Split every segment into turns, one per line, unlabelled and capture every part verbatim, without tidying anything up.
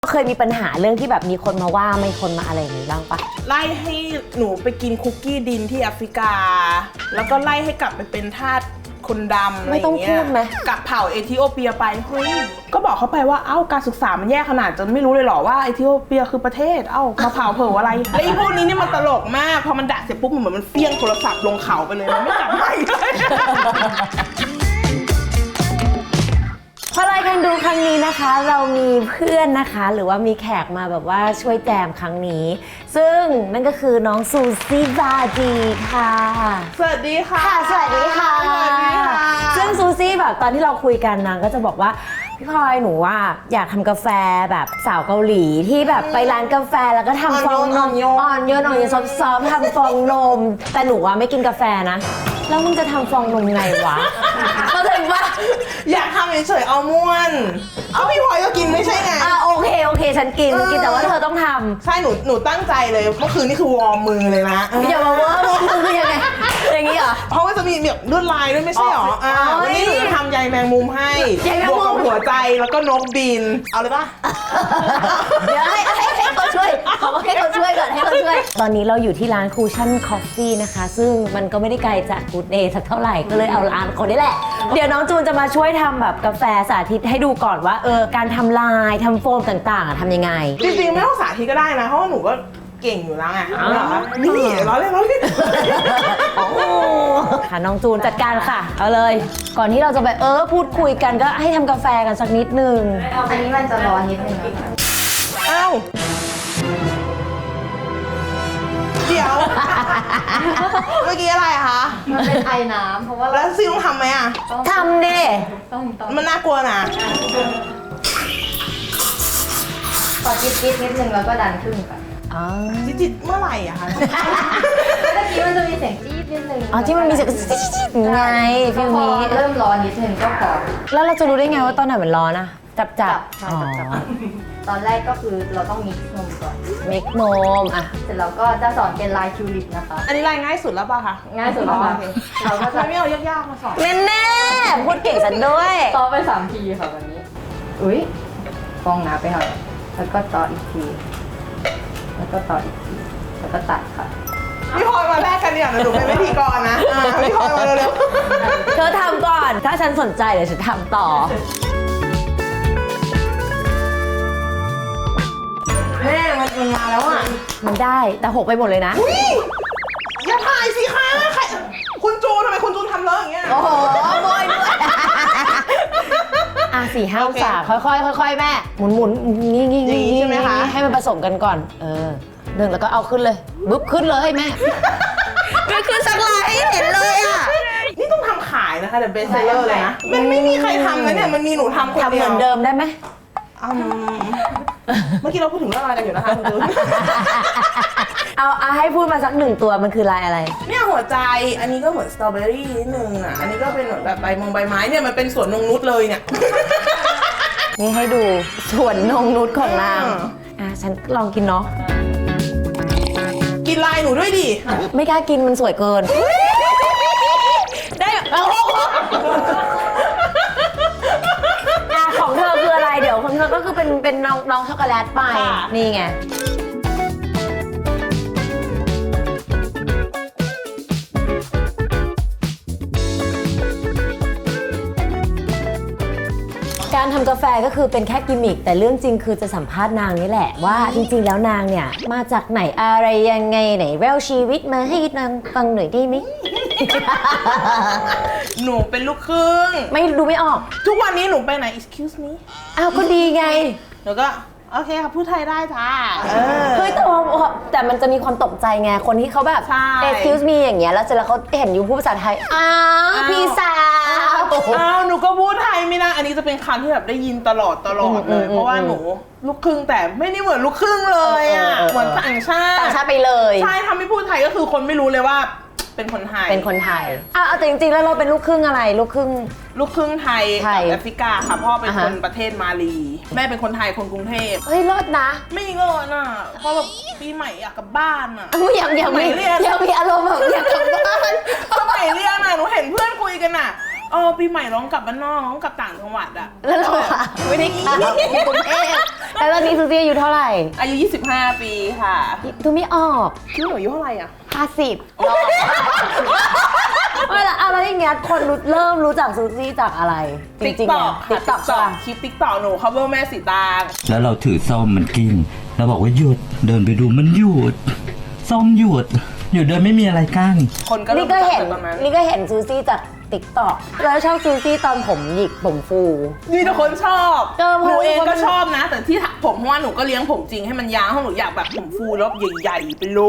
เคยมีปัญหาเรื่องที่แบบมีคนมาว่าไม่คนมาอะไรอย่างนี้บ้างปะ
ไล่ให้หนูไปกินคุกกี้ดินที่แอฟริกาแล้วก็ไล่ให้กลับไปเป็นทาสคนดำอะไรอย่างเงี้ยกลับเผ่าเอธิโอเปียไปเฮ้ยก็บอกเขาไปว่าเอ้าการศึกษามันแย่ขนาดจนไม่รู้เลยเหรอว่าเอธิโอเปียคือประเทศเอ้ามาเผ่าเผ่ออะไรแล้วไอ้พวกนี้นี่มันตลกมากพอมันด่าเสร็จปุ๊บเหมือนมันเฟี้ยงโทรศัพท์ลงเขาไปเลยมันไม่กลับมาอีกเลย
เพราะรายการดูครั้งนี้นะคะเรามีเพื่อนนะคะหรือว่ามีแขกมาแบบว่าช่วยแจมครั้งนี้ซึ่งนั่นก็คือน้องซูซี่บาจีค่ะ
สวัสดีค่ะ
ค่ะสวัสดีค่ะซึ่งซูซี่แบบตอนที่เราคุยกันนางก็จะบอกว่าพี่พลอยหนูว่าอยากทำกาแฟแบบสาวเกาหลีที่แบบไปร้านกาแฟแล้วก็ทำฟองนมอ่อนโยนอ่อนโยนซอฟๆทำฟองนมแต่หนูว่าไม่กินกาแฟนะแล้วมึงจะทำฟองนมไงวะเข้าใจปะ
อยากทำเฉยๆเอาม่วนเอาพี่พลอยก็กินไม่ใช่ไง
อ่ะโอเคโอเคฉันกินกินแต่ว่าเธอต้องทำ
ใช่หนูหนูตั้งใจเลยเมื่อคืนนี่คือวอร์มมือเลยนะ
อย่ามาเวอร์มือคือยังไงอย่างนี้เหรอ
เพราะว่าจะมีแบบลวดลายด้วยไม่ใช่หรออ่าวันนี้หนูจะทำใยแมงมุมให้บวกกับหัวใจแล้วก็นกบินเอาเลยปะ
เดี๋ยวให้ให้เขาช่วยเขาให้เขาช่วยก่อนให้เขาช่วยตอนนี้เราอยู่ที่ร้านคูชั่นคอฟฟี่นะคะซึ่งมันก็ไม่ได้ไกลจากกูดเดย์สักเท่าไหร่ก็เลยเอาร้านคนนี้แหละเดี๋ยวน้องจูนจะมาช่วยทำแบบกาแฟสาธิตให้ดูก่อนว่าเออการทำลายทำโฟมต่างๆทำยังไง
จริงๆไม่ต้องสาธิตก็ได้นะเพราะว่าหนูก็เก่งอยู่แล้วไงนี่ร้อนเลยร้อนเลย
ค่ะน้องจูนจัดการค่ะเอาเลยก่อนที่เราจะไปเออพูดคุยกันก็ให้ทำกาแฟกันสักนิดนึง
อันนี้มันจะร้อนนิดนึงนะคะ
อ้าวเดี๋ยวเมื่อกี้อะไรคะ
มันเป็นไอน้ำเพราะว่า
แล้วซิต้องทำไหมอ่ะ
ทำดิ
ต้องต้อง
มันน่ากลัวนะ
ขอจิ๊ดจิ๊ดนิดนึงแล้วก็ดันขึ้นก่อน
จิ๊ดจิ๊ดเมื่อไหร่อะคะ
เมื่อกี้มันจะมีเสียงจี๊ดนิดนึง
อ๋อที่มันมีเสียงจี๊ดไงฟิลนี้
เริ่มร้อนนิดนึงก็พอ
แล้วเราจะรู้ได้ไงว่าตอนไหนมันร้อนอะจับจับ
อ๋อตอนแรกก็คือเราต้องมิกซ์นมก่อน
มิกซ์นมอ่ะ
เสร็จแล้วก็จะสอนเป็นลายทิวลิปนะคะ
อันนี้ลายง่ายสุดแล้วป่ะคะ
ง่ายสุดแล้วค่ะ
เราก็จะไม่เอายากๆมาสอน
แน่ๆพูดเก่งสันด้วย
ต่อไปสามทีค่ะวันนี้อุ้ยฟองหนาไปหน่อยแล้วก็ต่ออีกทีแล้วก็ต่ออีกทีแล้วก็ตัดค่ะ
พี่พลอยมาแรกกันเนี่ยหนูเป็นพิธีกรนะพี่พลอยมาเร็ว
ๆเธอทำก่อนถ้าฉันสนใจเดี๋ยวฉันทำต่อ
แม่มันมันมาแล้วอ่ะ
มันได้แต่หกไปหมดเลยนะ
อย่าถ่ายสิคะใครคุณจูนทำไมคุณจูนทำเลอะอย่างเงี้ย
โอ้โหโวยด้วยอ่ะสี่ห้าสาค่อยๆค่อยๆแม่หมุนหมุนงี้งี้งี้
ใช่ไหมคะ
ให้มันผสมกันก่อนเออหนึ่งแล้วก็เอาขึ้นเลยบึ๊บขึ้นเลยแม่ไม่ขึ้นสักลายให้เห็นเลยอ่ะ
นี่ต้องทำขายนะคะเดี๋ยวเบสเซอร์เลยนะมันไม่มีใครทำนะเนี่ยมันมีหนูทำคนเดียว
ทำเหมือนเดิมได้ไหม
เมื่อกี้เราพูดถึงเรื่องอะไรกันอยู่นะคะคุณจูน
เอาเอาให้พูดมาสักหนึ่งตัวมันคือลายอะไร
เนี่ยหัวใจอันนี้ก็เหมือนสตรอเบอรี่นิดนึงอ่ะอันนี้ก็เป็นเหมือนแบบใบมงใบไม้เนี่ยมันเป็นสวนนงนุชเลยเนี่ย
นี่ให้ดูสวนนงนุชของนางอ่ะฉันลองกินเนาะ
กินลายหนูด้วยดิ
ไม่กล้ากินมันสวยเกินได้เอาของเธอคืออะไรเดี๋ยวของเธอก็คือเป็นเป็นน้องน้องช็อกโกแลตไปนี่ไงการทำกาแฟก็คือเป็นแค่กิมมิคแต่เรื่องจริงคือจะสัมภาษณ์นางนี่แหละว่าจริงๆแล้วนางเนี่ยมาจากไหนอะไรยังไงไหนแววชีวิตมาให้นางฟังหน่อยได้ไหม
หนูเป็นลูกครึ่ง
ไม่ดูไม่ออก
ทุกวันนี้หนูไปไหน excuse me
อ้าวก็ดีไง
หนูก็โอเคค่ะพูดไทยได้จ้า
เฮ้ยแต่แต่มันจะมีความตกใจไงคนที่เขาแบบ excuse me อย่างเงี้ยแล้วเสร็จแล้วเขาเห็นอยู่พูดภาษาไทยอ้าวพี่สาว
อ้าวหนูก็พูดไทยไม่ได้อันนี้จะเป็นคำที่แบบได้ยินตลอดตลอดเลยเพราะว่าหนูลูกครึ่งแต่ไม่ได้เหมือนลูกครึ่งเลยอ่ะเหมือนต่างชาติ
ต่างชาติไปเลย
ใช่ทำให้พูดไทยก็คือคนไม่รู้เลยว่าเป็นคนไทย
เป็นคนไทยอ่ะแต่จริงๆแล้วเราเป็นลูกครึ่งอะไรลูกครึ่ง
ลูกครึ่งไทยกับแอฟริกาค่ะพ่อเป็นคนประเทศมาลีแม่เป็นคนไทยคนกรุงเทพ
เฮ้ยรอดนะ
ไม่เงินอ่ะเพราะแบบปีใหม่อยากกลับบ้านอ่ะ
อยากอยากมีอยากมีอารมณ์แบบอยากกลับบ้าน
สมัยเรียนอ่ะหนูเห็นเพื่อนคุยกันอ่ะเออปีใหม่ร้องกลับบ้านนอกร้องกลับต่างจังหวัดอะ
แล้วเราอะไม่ได้กินอยู่กรุงเทพแล้วตอนนี้ซูซี่อายุเท่าไหร่
อายุยี่สิบห้าปีค่ะ
ดูไม่ออก
พี่หนูอายุเท่าไหร่อะ
ห้าสิบไม่ละอะไรอย่างเงี้ยคนรู้เริ่มรู้จักซูซี่จากอะไรจริงๆเนี่ย
ติ๊
ติ๊
ก
ก
ต็
ต็
อ
อก ก
ค่ะ
ป่ะ
คลิปติ๊กต็อกหนู cover แม่สีตาง
แล้วเราถือส้มมันกิ้งเราบอกว่าหยุดเดินไปดูมันหยุดส้มหยุดหยุดเดินไม่มีอะไรกั้น
คนก็
นี่
เริ่ม
ก็
รู้จัก
เห็น
แต่ตอนนั้น
นี่ก็เห็นซูซี่จากติ๊กต็อกแล้วชอบซูซี่ตอนผมหยิกผมฟู
มีแต่คนชอบ
เออเพ
ห
ราะ
นูเอง
ว่ามั
ก็
น
ชอบนะ แต่ที่ถักผมเพราะว่าหนูก็เลี้ยงผมจริงให้มันยาวเพราะหนูอยากแบบผมฟูแล้วใหญ่ๆไปเลย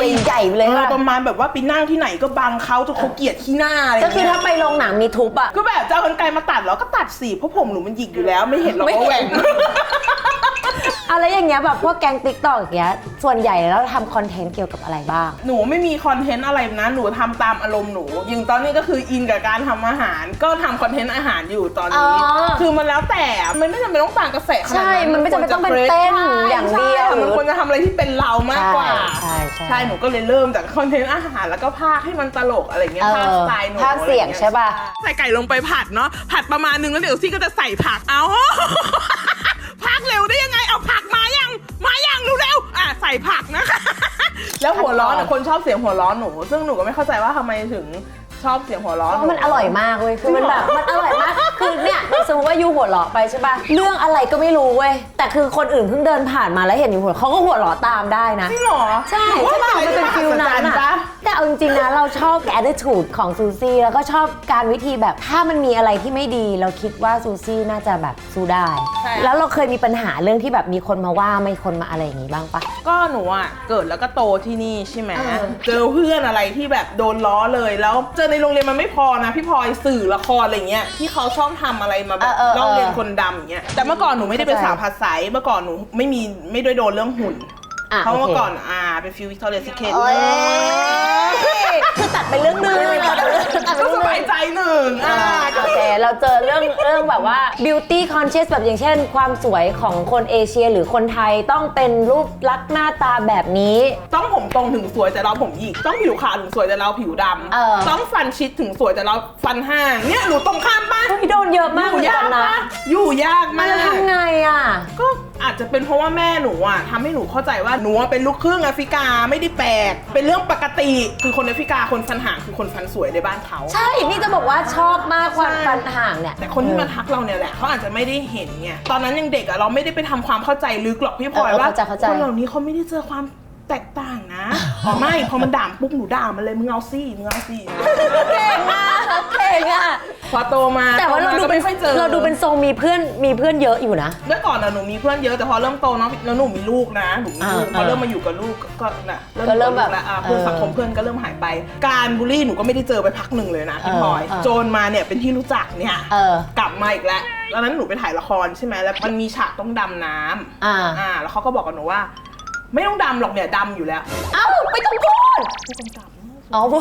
ใหญ่ไปเลย
เออ
ค่ะ
ประมาณแบบว่าไปนั่งที่ไหนก็บังเขาจนเขาเกลียดขี้หน้าอะไร
ก็คือ
เงี้
ถ้าย ไปโรงหนังมีทุบอะ
ก็แบบจะเอากรรไกรมาตัดแล้วก็ตัดสิเพราะผมหนูมันหยิกอยู่แล้วไม่เห็นหรอกว่าแหว่ง
อะไรอย่างเงี้ยแบบพวกแก๊งติ๊กต็อกอย่างเงี้ยส่วนใหญ่แล้วทำคอนเทนต์เกี่ยวกับอะไรบ้าง
หนูไม่มีคอนเทนต์อะไรนะหนูทำตามอารมณ์หนูอย่างตอนนี้ก็คืออินกับการทำอาหาร ก็ทำคอนเทนต์อาหารอยู่ตอนนี้
อ๋อ
คือมันแล้วแต่มันไม่จำเป็นต้องตามกระแสขนาดนั้น
ใช่มันไม่จำเป็นต้องเป็นเต้นอย่างเดียว
ใช่มันควรจะทำอะไรที่เป็นเรามากกว่า
ใช่ใช่
ใช่หนูก็เลยเริ่มจากคอนเทนต์อาหารแล้วก็พากให้มันตลกอะไรเงี้ย
เออ
พากสไตล์หนู
พากเสียงใช่ป่ะ
ใส่ไก่ลงไปผัดเนาะผัดประมาณนึงแล้วเดี๋ยวซี่ก็จะใส่ผักเอา พากเร็วได้ยังไงเอาผักมายังมายังเร็วๆอ่ะใส่ผักนะคะ แล้วหัวร้อนอ่ะคนชอบเสียงหัวร้อนหนู ซึ่งหนูก็ไม่เข้าใจว่าทำไมถึงชอบเสียงหัวร้อน
เพราะมันอร่อยมากเว้ย คือมันแบบ มันอร่อยมาก คือเนี่ยสมมติว่ายูหัวเราะไปใช่ป่ะ เรื่องอะไรก็ไม่รู้เว้ย แต่คือคนอื่นเพิ่งเดินผ่านมาแล้วเห็นอยู่หัวเขาก็หัวเราะตามได้นะ
จริงเหรอ
ใช่ใช่ป่ะมันเป็นฟิลนั้น
อะ
อะแต่เอาจริงๆนะเราชอบ attitude ของซูซี่แล้วก็ชอบการวิธีแบบถ้ามันมีอะไรที่ไม่ดีเราคิดว่าซูซี่น่าจะแบบสู้ได้ แล้วเราเคยมีปัญหาเรื่องที่แบบมีคนมาว่ามีคนมาอะไรอย่างงี้บ้างปะ
ก็หนูอ่ะเกิดแล้วก็โตที่นี่ใช่ไหม
เออ
เจอเพื่อนอะไรที่แบบโดนล้อเลยแล้วเจอในโรงเรียนมันไม่พอนะพี่พลอยสื่อละครอะไรเงี้ยที่เขาชอบทำอะไรมาแบบลอกเรียนคนดำอย่างเงี้ยแต่เมื่อก่อนหนูไม่ได้เป็นสาวผัดใสเมื่อก่อนหนูไม่มีไม่ได้โดนเรื่องหุ่น
อ่ะ
เพราะ
โอ
เมื่อ
เค
ก่อนอ่าเป็นฟิววิกตอเรียซิเคท
โอ้ยคือตัดไปเรื่องหนึงตัดไปเรื่อง
ก็
ห
ส
นึ่ง
บายใจหนึ่งอ่า
โอเค เราเจอเรื่องเรื่องแบบว่า beauty conscious แบบอย่างเช่น ความสวยของคนเอเชียหรือคนไทยต้องเป็นรูปลักษณ์หน้าตาแบบนี้
ต้องผมตรงถึงสวยแต่เราผมหยิกต้องผิวขาวถึงสวยแต่เราผิวด
เออ
ำต้องฟันชิดถึงสวยแต่เราฟันห้างเนี่ยหนูตรงข้ามปะ
พี่โดนเยอะมาก
อยู่
เหมือน
ยา
กั
ก
นนะ
ปะอยู่ยาก
มัน
มาก
จะทำไงอ่ะ
ก็อาจจะเป็นเพราะว่าแม่หนูอ่ะทำให้หนูเข้าใจว่าหนูอะเป็นลูกครึ่งแอฟริกาไม่ได้แปลกเป็นเรื่องปกติคือคนแอฟริกาคนฟันห่างคือคนฟันสวยในบ้านเขา
ใช่ นี่จะบอกว่าชอบมากความฟันห่างเนี่ย
แต่คนที่มาทักเราเนี่ยแหละเขาอาจจะไม่ได้เห็นไงตอนนั้นยังเด็กอะเราไม่ได้ไปทำความเข้าใจลึกหรอกพี่พลอย
เออ
ว่า
เข้าใจเข้าใจ
คนเหล่านี้เขาไม่ได้เจอความแตกต่างนะอ๋อไม่พอมันด่าปุ๊บหนูด่ามันเลยมึงเอาซี่มึงเอาซี่
เก่งอ่ะเก่งอ่ะ
พอโตมา
แต่ว่าเรา
โตม
ดู
ก็
เป็น
ไม่ค่อยเจอ
เราดูเป็นทรงมีเพื่อนมีเพื่อนเยอะอยู่นะ
เมื่อก่อนอะหนูมีเพื่อนเยอะแต่พอเริ่มโตเนาะแล้วหนูมีลูกนะหนูมีลูก
อ่า
พอเริ่มมาอยู่กับลูกก็ก็น่ะ
ก็เริ่มแบบ
อยู่กับลูกแล้วอ่ะเพื่อน
เออ
สังคมเพื่อนก็เริ่มหายไป การบูลลี่หนูก็ไม่ได้เจอไปพักหนึ่งเลยนะพี่พลอย
เออเออ
โจนมาเนี่ยเป็นที่รู้จักเนี่ย
เออ
กลับมาอีกแล้วตอนนั้นหนูไปถ่ายละครใช่ไหมแล้วมันมีฉากต้องดำน้ำ
อ่า
อ่าแล้วเขาก็บอกกับหนูว่า ไม่ต้องดำหรอกเนี่ยดำอยู่แล้ว
เอ้าไม่ต้องพูด
ผู้กำกับ
อ๋อ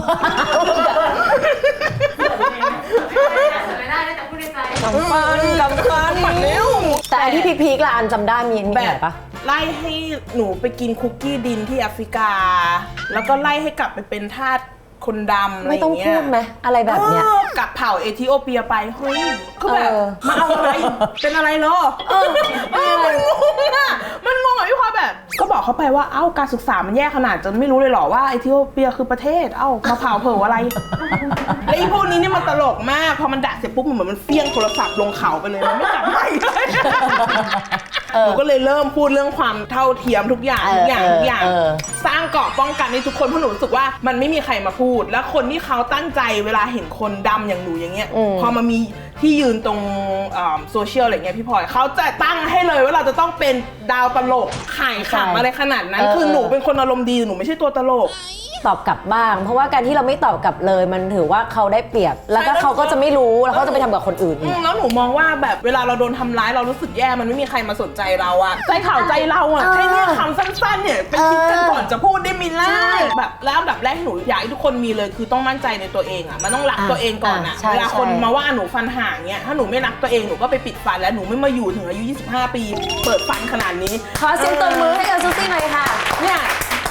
ไม่ได้แต่พูดในใจ
กำฟันกำฟันหมดแล้ว
แต่อันที่พีคๆละอันจำได้มีอันนี้
แบ
ไหน
บ
ปะ
ไล่ให้หนูไปกินคุกกี้ดินที่แอฟริกา แล้วก็ไล่ให้กลับไปเป็นทาสคนดำอะไร
ไม่
อ
ต้อง
ย่างเงี้
พู
ย
ดไหมอะไรแบบเนี้ย
ออกลับเผ่าเอธิโอเปียไปเฮ้ยก็แบบ
เออ
มาเอาอะไร เป็นอะไรเหรอเออเออมันงงอ่ะมันงงอ่ะพี่พลอยแบบ ก็บอกเขาไปว่าเอ้าการศึกษามันแย่ขนาดจนไม่รู้เลยเหรอว่าเอธิโอเปียคือประเทศเอ้ามาเผาเผาอะไร แล้วไอ้พวกนี้เนี่ยมันตลกมากพอมันด่าเสร็จปุ๊บมันเหมือนมันเฟี้ยงโทรศัพท์ลงเขาไปเลยมันไม่กลับมาอีกเลย
เออ
หนูก็เลยเริ่มพูดเรื่องความเท่าเทียมทุกอย่าง
เออ
ทุกอย่างทุกอย่าง
เออ
สร้างเกราะป้องกันให้ทุกคนเพราะหนูรู้สึกว่ามันไม่มีใครมาพูด แล้วคนที่เขาตั้งใจเวลาเห็นคนดำอย่างหนูอย่างเงี้ย
อืม
พอมามีที่ยืนตรงโซเชียลอะไรเงี้ยพี่พลอยเขาจะตั้งให้เลยว่าเราจะต้องเป็นดาวตลกขายขำอะไรขนาดนั้น
เออ
คือหนูเป็นคนอารมณ์ดีหนูไม่ใช่ตัวตลก
ตอบกลับบ้าง เพราะว่าการที่เราไม่ตอบกลับเลยมันถือว่าเขาได้เปรียบ แล้วก็
ใช่
เขาก็จะไม่รู้แล้วเขาจะไปทำกับคนอื่น
อื
อีก
มแล้วหนูมองว่าแบบเวลาเราโดนทำร้ายเรารู้สึกแย่มันไม่มีใครมาสนใจเราอะใจข่าวใจเราอะ
เออ
แค่เนี้ยคำสั้นๆเนี่ยไปคิดกันก่อนจะพูดได้มิลล่า
ใช่
แบบแล้วอันดับแรกที่หนูอยากให้ทุกคนมีเลยคือต้องมั่นใจในตัวเองอะมันต้องรัก
อ่ะ
ตัวเองก่อนอะ
อ่ะใช่
เวลาคน
ใช่
มาว่าหนูฟันห่างเนี่ยถ้าหนูไม่รักตัวเองหนูก็ไปปิดฟันแล้วหนูไม่มาอยู่ถึงอายุยี่สิบห้าปี เปิดฟันขนาดนี้
ขอเสียงตบมือให้กับซูซี่หน่อยค่ะ
เนี่ย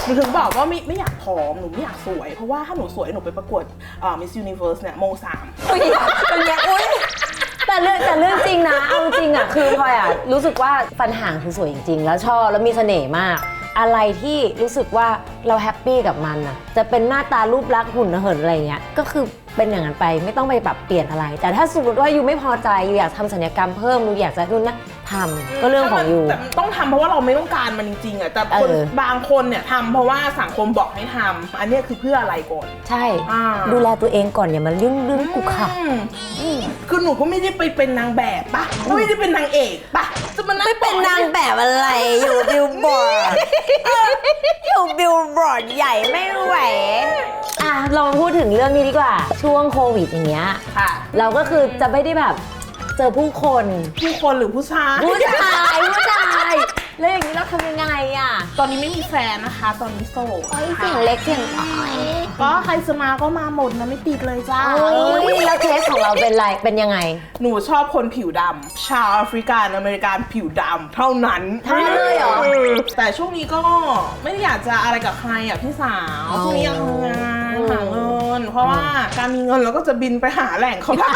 หนูถึงบอกว่าไม่ไม่อยากผอมหนูไม่อยากสวยเพราะว่าถ้าหนูสวยหนูไปประกวดอ่า Miss Universe เนี่ยโมสาม
อุ้ยเป็นไงอุ้ยแต่เรื่องแต่เรื่องจริงนะเอาจริงอ่ะคือพลอยอ่ะรู้สึกว่าฟันห่างคือสวยจริงๆแล้วชอบแล้วมีเสน่ห์มากอะไรที่รู้สึกว่าเราแฮปปี้กับมันอ่ะจะเป็นหน้าตารูปลักษณ์หุ่นเหินอะไรเงี้ยก็คือเป็นอย่างนั้นไปไม่ต้องไปปรับเปลี่ยนอะไร แต่ถ้าสมมติว่ายูไม่พอใจยูอยากทำศัลยกรรมเพิ่มยูอยากจะนู่นนะทำก็เรื่องของยู
แต่ต้องทำเพราะว่าเราไม่ต้องการมันจริงๆอ่ะแต่คน
เออ
บางคนเนี่ยทำเพราะว่าสังคมบอกให้ทำอันเนี้ยคือเพื่ออะไรก่อน
ใช่
อ่า
ดูแลตัวเองก่อนอย่ามาเรื่องเรื่องกูค่ะ
อืมคือหนูก็ไม่ได้ไปเป็นนางแบบปะก็ไม่ได้เป็นนางเอกปะจะมานั่ง
ไม่เป็นนางแบบอะไรอยู่บิลบอร์ดอยู่บิลบอร์ดใหญ่ไม่ไหวอ่ะเรามาพูดถึงเรื่องนี้ดีกว่าช่วงโควิดอย่างเงี้ย
ค่ะ
เราก็คือจะไม่ได้แบบเจอผู้คน
ผู้คนหรือผู้ชาย
ผู้ชายผู้ชายแล้วอย่างนี้เราทำยังไงอ่ะ
ตอนนี้ไม่มีแฟนนะคะ ตอนนี้โสด
เอ้ยเสียงเล็กเสียงน้อย
ก็ใครจะมาก็มาหมดนะไม่ติดเลยจ้า
โอ้ยแล้วเคสของเราเป็นไรเป็นยังไง
หนูชอบคนผิวดำชาวแอฟริกันอเมริกันผิวดำเท่านั้น
เท่านั้นเลยเหรอ
แต่ช่วงนี้ก็ไม่ได้อยากจะอะไรกับใครอ่ะพี่สาว
อ๋อ
ช่วงนี้อยากทำงานหาเงิน เพราะว่าการมีเงินเราก็จะบินไปหาแหล่งเขาได้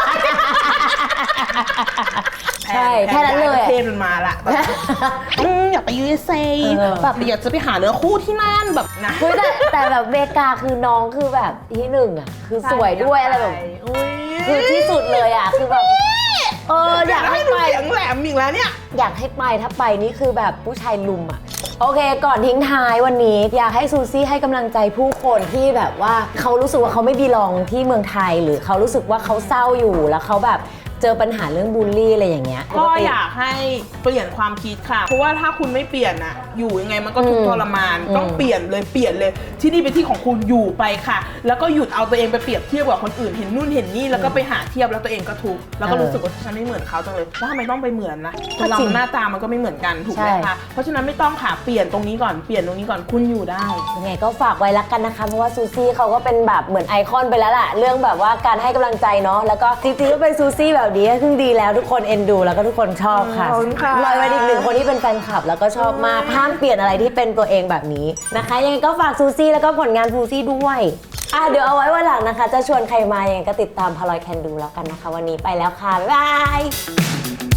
ใช่แค่นั้นเลย
ประเทศมันมาละแบบอืมอยากไป ยู เอส เอ
เออ
แบบอยากจะไปหาเนื้อคู่ที่นั่นแบบนะ
เฮ้ยแต่แต่แบบเมกาคือน้องคือแบบที่หนึ่งอ่ะคือสวยด้วยอะไรแบบ
อุ๊ย
คือที่สุดเลยอ่ะคือแบบเอออยากให้
ดู
ไป
เสียงแหลมอีกแล้วเนี่ย
อยากให้ไปถ้าไปนี่คือแบบผู้ชายลุมอ่ะโอเคก่อนทิ้งท้ายวันนี้อยากให้ซูซี่ให้กำลังใจผู้คนที่แบบว่าเขารู้สึกว่าเขาไม่บีลองที่เมืองไทยหรือเขารู้สึกว่าเขาเศร้าอยู่แล้วเขาแบบเจอปัญหาเรื่องบูลลี่อะไรอย่างเงี้ย
ก็อยากให้เปลี่ยนความคิดค่ะ เพราะว่าถ้าคุณไม่เปลี่ยนอะอยู่ยังไงมันก็ทุกข์ทรมาน
อืม
ต้องเปลี่ยนเลยเปลี่ยนเลย ที่นี่เป็นที่ของคุณอยู่ไปค่ะ แล้วก็หยุดเอาตัวเองไปเปรียบเทียบกับคนอื่นเห็นนู่นเห็นนี่แล้วก็ไปหาเทียบแล้วตัวเองก็ทุกข์แล้วก็รู้สึกว่าฉันไม่เหมือนเขาจังเลยแล้วทำไมต้องไปเหมือนนะคนเราหน้าตามันก็ไม่เหมือนกันถูกไหมคะเพราะฉะนั้นไม่ต้องค่ะเปลี่ยนตรงนี้ก่อนเปลี่ยนตรงนี้ก่อนคุณอยู่ได้
ยังไงก็ฝากไว้ละกันนะคะเพราะว่าซูซี่เขาก็เป็นแบบเหมือนไอคอนไปแล้วล่ะเรื่องแบบว่าการให้กำลังใจเนาะแล้วก็จริงๆก็เป็นซูซี่แบบนี้ก็คือดีแล้วทุกคนเอ็นดูแล้วก็ทุกคนชอบค่ะ
ขอบคุณค่ะ
ลอยมาอีกหนึ่งคนที่เป็นแฟนคลับแล้วก็ชอบมากห้ามเปลี่ยนอะไรที่เป็นตัวเองแบบนี้นะคะยังไงก็ฝากซูซี่แล้วก็ผลงานซูซี่ด้วยอ่ะเดี๋ยวเอาไว้วันหลังนะคะ จะชวนใครมายังไงก็ติดตามพลอยแคนดูแล้วกันนะคะ วันนี้ไปแล้วค่ะบ๊ายบาย